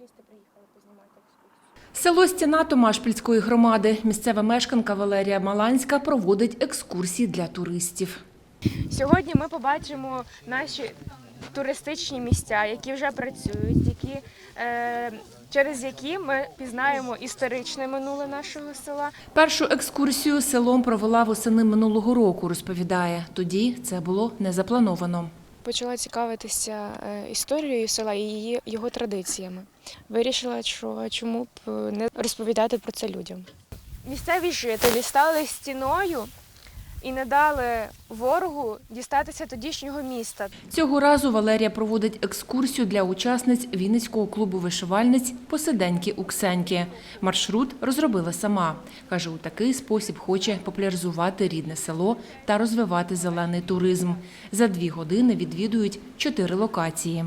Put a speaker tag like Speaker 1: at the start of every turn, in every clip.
Speaker 1: журналісти приїхали познімати екскурсію.
Speaker 2: Село Стіна Томашпільської громади. Місцева мешканка Валерія Маланська проводить екскурсії для туристів.
Speaker 1: Сьогодні ми побачимо наші туристичні місця, які вже працюють, через які ми пізнаємо історичне минуле нашого села.
Speaker 2: Першу екскурсію селом провела восени минулого року, розповідає. Тоді це було не заплановано.
Speaker 1: Почала цікавитися історією села і його традиціями. Вирішила, що чому б не розповідати про це людям. Місцеві жителі стали стіною і не дали ворогу дістатися тодішнього міста.
Speaker 2: Цього разу Валерія проводить екскурсію для учасниць Вінницького клубу вишивальниць «Посиденьки у Ксеньки». Маршрут розробила сама. Каже, у такий спосіб хоче популяризувати рідне село та розвивати зелений туризм. За 2 години відвідують 4 локації.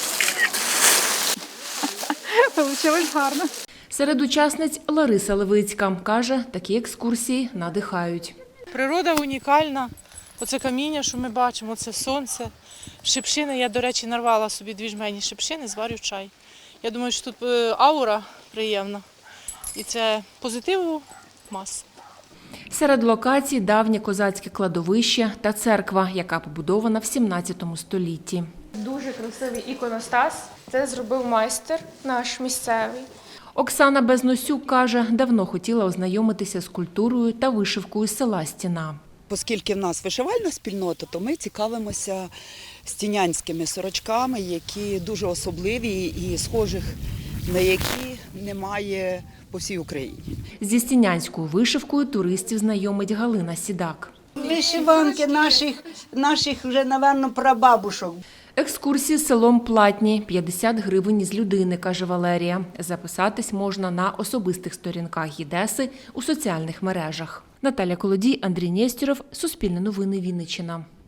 Speaker 3: Получилось гарно.
Speaker 2: Серед учасниць Лариса Левицька. Каже, такі екскурсії надихають.
Speaker 3: Природа унікальна. Оце каміння, що ми бачимо, це сонце. Шипшини. Я, до речі, нарвала собі 2 жмені шипшини, зварю чай. Я думаю, що тут аура приємна. І це позитиву маса.
Speaker 2: Серед локацій давнє козацьке кладовище та церква, яка побудована в 17 столітті.
Speaker 1: Дуже красивий іконостас. Це зробив майстер наш місцевий.
Speaker 2: Оксана Безносюк каже, давно хотіла ознайомитися з культурою та вишивкою села Стіна.
Speaker 4: Оскільки в нас вишивальна спільнота, то ми цікавимося стінянськими сорочками, які дуже особливі і схожих на які немає по всій Україні.
Speaker 2: Зі стінянською вишивкою туристів знайомить Галина Сідак.
Speaker 5: Вишиванки наших вже, напевно, прабабушок.
Speaker 2: Екскурсії селом платні – 50 гривень із людини, каже Валерія. Записатись можна на особистих сторінках ЄДЕСи у соціальних мережах. Наталя Колодій, Андрій Нєстєров, Суспільне новини, Вінниччина.